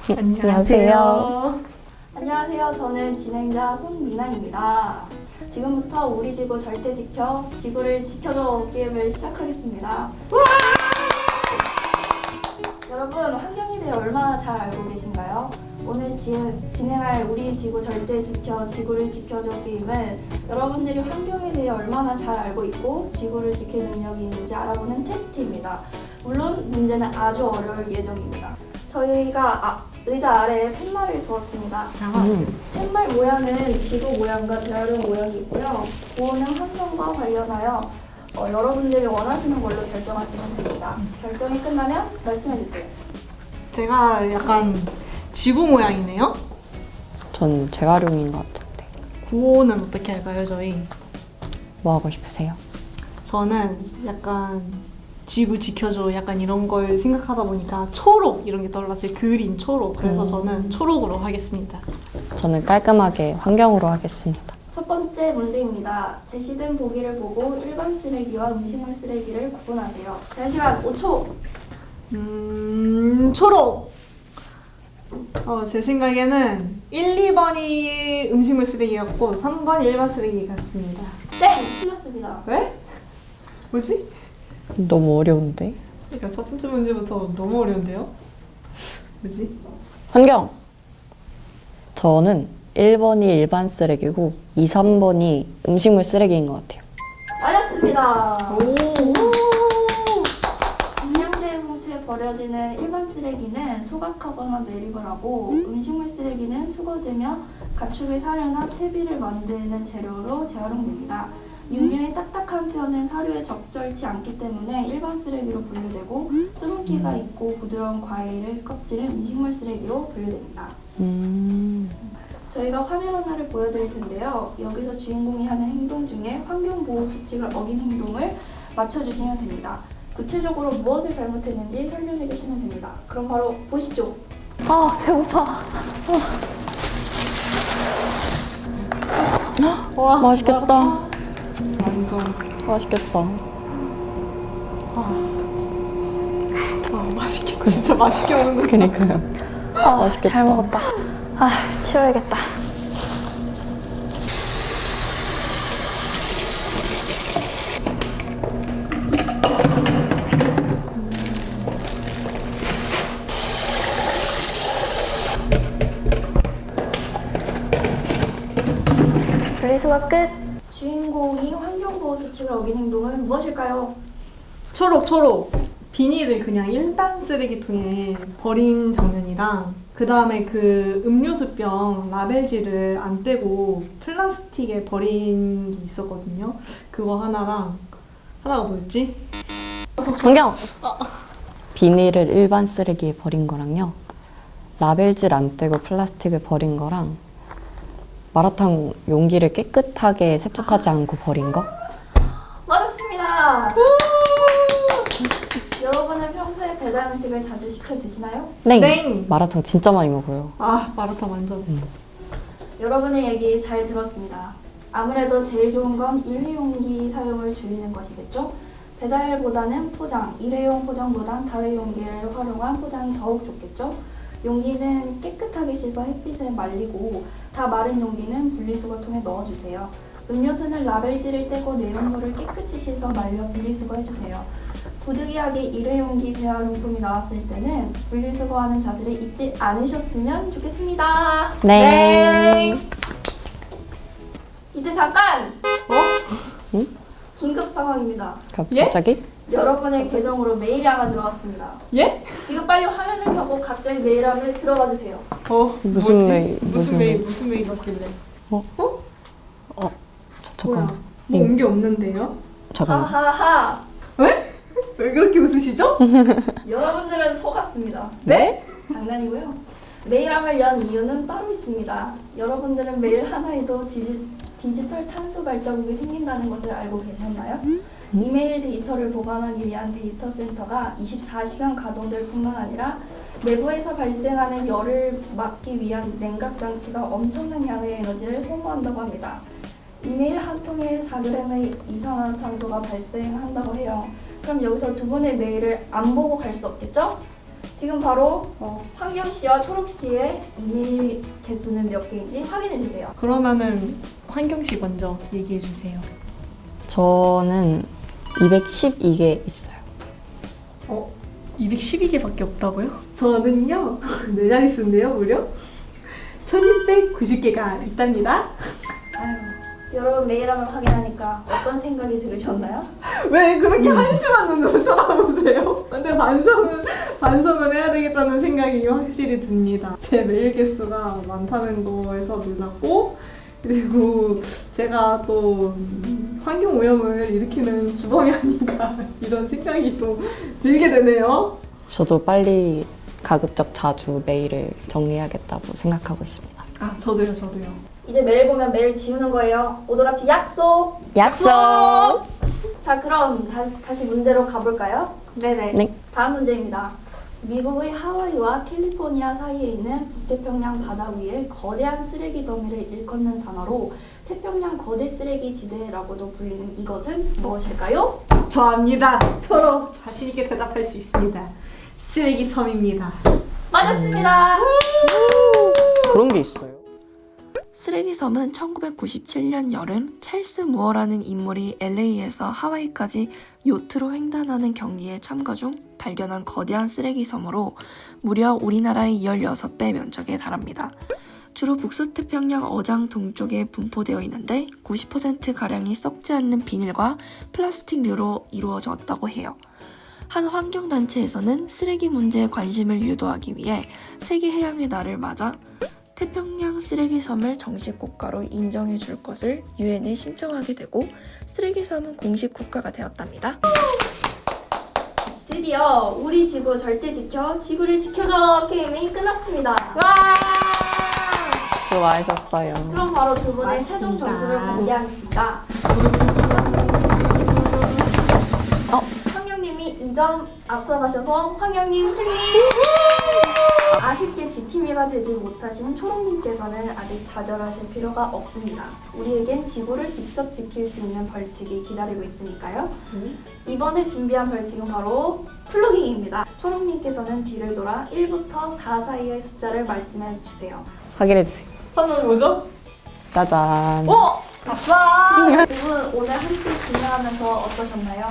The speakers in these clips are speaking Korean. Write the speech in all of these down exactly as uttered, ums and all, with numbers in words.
안녕하세요. 안녕하세요. 저는 진행자 손미나입니다. 지금부터 우리 지구 절대 지켜, 지구를 지켜줘 게임을 시작하겠습니다. 여러분, 환경에 대해 얼마나 잘 알고 계신가요? 오늘 지, 진행할 우리 지구 절대 지켜, 지구를 지켜줘 게임은 여러분들이 환경에 대해 얼마나 잘 알고 있고 지구를 지킬 능력이 있는지 알아보는 테스트입니다. 물론 문제는 아주 어려울 예정입니다. 저희가 아, 의자 아래에 팻말을 두었습니다. 음. 팻말 모양은 지구 모양과 재활용 모양이 있고요. 보호는 환경과 관련하여 어, 여러분들이 원하시는 걸로 결정하시면 됩니다. 결정이 끝나면 말씀해주세요. 제가 약간 지구 모양이네요? 전 재활용인 것 같은데. 구호는 어떻게 할까요, 저희? 뭐 하고 싶으세요? 저는 약간 지구 지켜줘 약간 이런 걸 생각하다 보니까 초록 이런 게 떠올랐어요. 그린 초록. 그래서 음. 저는 초록으로 하겠습니다. 저는 깔끔하게 환경으로 하겠습니다. 첫 번째 문제입니다. 제시된 보기를 보고 일반 쓰레기와 음식물 쓰레기를 구분하세요. 제한 시간 오 초! 음, 초록! 어, 제 생각에는 일, 이 번이 음식물 쓰레기 같고 삼 번이 일반 쓰레기 같습니다. 땡! 틀렸습니다. 왜? 뭐지? 너무 어려운데? 그러니까 첫 번째 문제부터 너무 어려운데요? 뭐지? 환경! 저는 일 번이 일반 쓰레기고 이, 삼 번이 음식물 쓰레기인 것 같아요. 맞았습니다. 오! 분양대 봉투에 버려지는 일반 쓰레기는 소각하거나 매립을 하고 음식물 쓰레기는 수거되며 가축의 사료나 퇴비를 만드는 재료로 재활용됩니다. 육류의 딱딱한 뼈는 사료에 적절치 않기 때문에 일반 쓰레기로 분류되고 수분기가 있고 부드러운 과일의 껍질은 음식물 쓰레기로 분류됩니다. 음... 저희가 화면 하나를 보여드릴 텐데요. 여기서 주인공이 하는 행동 중에 환경보호 수칙을 어긴 행동을 맞춰주시면 됩니다. 구체적으로 무엇을 잘못했는지 설명해 주시면 됩니다. 그럼 바로 보시죠. 아, 배고파. 와, 맛있겠다. 완전. 맛있겠다. 아, 아 맛있겠다. 진짜 맛있게 먹는다. 그니까요. 아, 맛있겠다. 잘 먹었다. 아, 치워야겠다. 분리수거 끝. 주인공이 환경보호 수칙을 어긴 행동은 무엇일까요? 초록, 초록. 비닐을 그냥 일반 쓰레기통에 버린 장면이랑 그 다음에 그 음료수병 라벨지를 안 떼고 플라스틱에 버린 게 있었거든요. 그거 하나랑 하나가 뭐였지? 환경! 비닐을 일반 쓰레기에 버린 거랑요. 라벨질 안 떼고 플라스틱을 버린 거랑 마라탕 용기를 깨끗하게 세척하지 않고 버린 거? 맞았습니다. 여러분은 평소에 배달 음식을 자주 시켜 드시나요? 네. 네. 마라탕 진짜 많이 먹어요. 아, 마라탕 완전. 여러분의 얘기 잘 들었습니다. 아무래도 제일 좋은 건 일회용기 사용을 줄이는 것이겠죠? 배달보다는 포장, 일회용 포장보단 다회용기를 활용한 포장이 더욱 좋겠죠? 용기는 깨끗하게 씻어 햇빛에 말리고 다 마른 용기는 분리수거통에 넣어주세요. 음료수는 라벨지를 떼고 내용물을 깨끗이 씻어 말려 분리수거해주세요. 부득이하게 일회용기 재활용품이 나왔을 때는 분리수거하는 자세를 잊지 않으셨으면 좋겠습니다. 네. 이제 잠깐! 어? 응? 긴급 상황입니다. 가- 예? 갑자기? 여러분의 계정으로 메일이 하나 들어왔습니다. 예? 지금 빨리 화면을 켜고 각자의 메일함을 들어가 주세요. 어, 무슨 뭐지? 메일, 무슨, 무슨 메일, 메일? 무슨 메일 같길래? 어? 어? 저, 잠깐만. 뭐야? 뭐 온 게 없는데요? 잠깐만. 하하하! 왜? 왜 그렇게 웃으시죠? 여러분들은 속았습니다. 네? 장난이고요. 메일함을 연 이유는 따로 있습니다. 여러분들은 메일 하나에도 디지, 디지털 탄소 발자국이 생긴다는 것을 알고 계셨나요? 이메일 데이터를 보관하기 위한 데이터 센터가 이십사 시간 가동될 뿐만 아니라 내부에서 발생하는 열을 막기 위한 냉각 장치가 엄청난 양의 에너지를 소모한다고 합니다. 이메일 한 통에 사 그램의 이산화탄소가 발생한다고 해요. 그럼 여기서 두 분의 메일을 안 보고 갈 수 없겠죠? 지금 바로 어, 환경 씨와 초록 씨의 이메일 개수는 몇 개인지 확인해 주세요. 그러면은 환경 씨 먼저 얘기해 주세요. 저는 이백십이 개 있어요. 어? 이백십이 개밖에 없다고요? 저는요, 네 자릿수인데요, 무려 천육백구십 개가 있답니다. 아유, 여러분 메일함을 확인하니까 어떤 생각이 들으셨나요? 왜 그렇게 한심한 눈으로 쳐다보세요? 근데 반성은, 반성은 해야 되겠다는 생각이 확실히 듭니다. 제 메일 개수가 많다는 거에서 놀랐고, 그리고 제가 또 환경 오염을 일으키는 주범이 아닌가 이런 생각이 또 들게 되네요. 저도 빨리 가급적 자주 메일을 정리해야겠다고 생각하고 있습니다. 아, 저도요, 저도요. 이제 메일 보면 메일 지우는 거예요. 모두 같이 약속! 약속! 자, 그럼 다, 다시 문제로 가볼까요? 네네. 네. 다음 문제입니다. 미국의 하와이와 캘리포니아 사이에 있는 북태평양 바다 위에 거대한 쓰레기 더미를 일컫는 단어로 태평양 거대 쓰레기 지대라고도 불리는 이것은 무엇일까요? 저 압니다. 서로 자신 있게 대답할 수 있습니다. 쓰레기 섬입니다. 맞았습니다. 그런 게 있어요. 쓰레기섬은 천구백구십칠 년 여름 찰스 무어라는 인물이 엘에이에서 하와이까지 요트로 횡단하는 경기에 참가 중 발견한 거대한 쓰레기섬으로 무려 우리나라의 십육 배 면적에 달합니다. 주로 북서태평양 어장 동쪽에 분포되어 있는데 구십 퍼센트가량이 썩지 않는 비닐과 플라스틱류로 이루어졌다고 해요. 한 환경단체에서는 쓰레기 문제에 관심을 유도하기 위해 세계해양의 날을 맞아 태평양 쓰레기섬을 정식 국가로 인정해 줄 것을 유엔에 신청하게 되고 쓰레기섬은 공식 국가가 되었답니다. 드디어 우리 지구 절대 지켜, 지구를 지켜줘 게임이 끝났습니다. 와! 수고하셨어요. 그럼 바로 두 분의 최종 맞습니다. 점수를 공개하겠습니다. 어? 황영님이 이 점 앞서가셔서 황영님 승리! 아쉽게 지킴이가 되지 못하신 초롱님께서는 아직 좌절하실 필요가 없습니다. 우리에겐 지구를 직접 지킬 수 있는 벌칙이 기다리고 있으니까요. 음. 이번에 준비한 벌칙은 바로 플로깅입니다. 초롱님께서는 뒤를 돌아 일부터 사 사이의 숫자를 말씀해 주세요. 확인해주세요. 선물 뭐죠? 짜잔. 어! 아싸! 두 분 오늘 함께 진행하면서 어떠셨나요?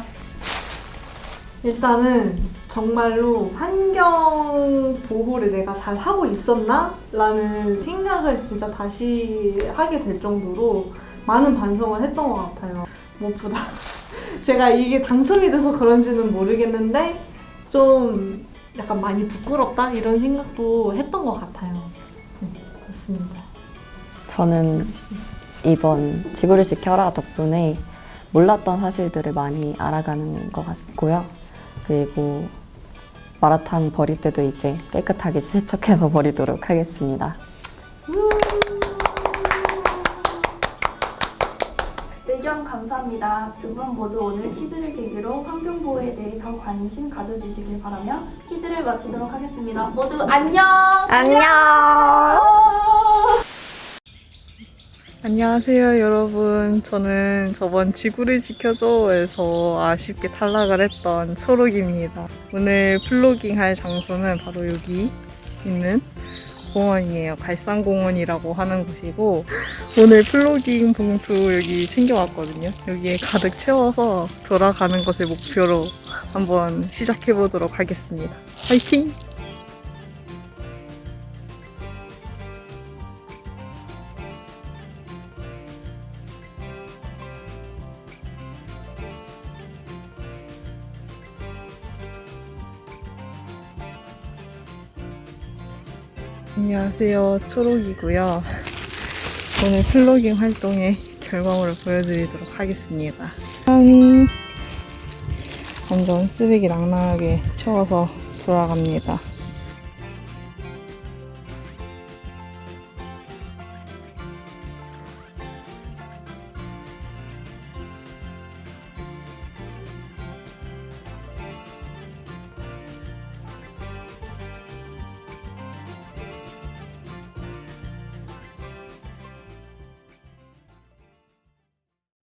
일단은 정말로 환경 보호를 내가 잘 하고 있었나? 라는 생각을 진짜 다시 하게 될 정도로 많은 반성을 했던 것 같아요. 무엇보다 제가 이게 당첨이 돼서 그런지는 모르겠는데 좀 약간 많이 부끄럽다? 이런 생각도 했던 것 같아요. 네, 그렇습니다. 저는 이번 지구를 지켜라 덕분에 몰랐던 사실들을 많이 알아가는 것 같고요. 그리고 마라탕 버릴 때도 이제 깨끗하게 세척해서 버리도록 하겠습니다. 의견 감사합니다. 두 분 모두 오늘 퀴즈를 계기로 환경보호에 대해 더 관심 가져주시길 바라며 퀴즈를 마치도록 하겠습니다. 모두 안녕! 안녕! 안녕하세요 여러분. 저는 저번 지구를 지켜줘에서 아쉽게 탈락을 했던 초록입니다. 오늘 플로깅 할 장소는 바로 여기 있는 공원이에요. 갈산공원이라고 하는 곳이고 오늘 플로깅 봉투 여기 챙겨왔거든요. 여기에 가득 채워서 돌아가는 것을 목표로 한번 시작해보도록 하겠습니다. 화이팅! 안녕하세요, 초록이고요. 오늘 플로깅 활동의 결과물을 보여드리도록 하겠습니다. 짠! 완전 쓰레기 낭낭하게 채워서 돌아갑니다.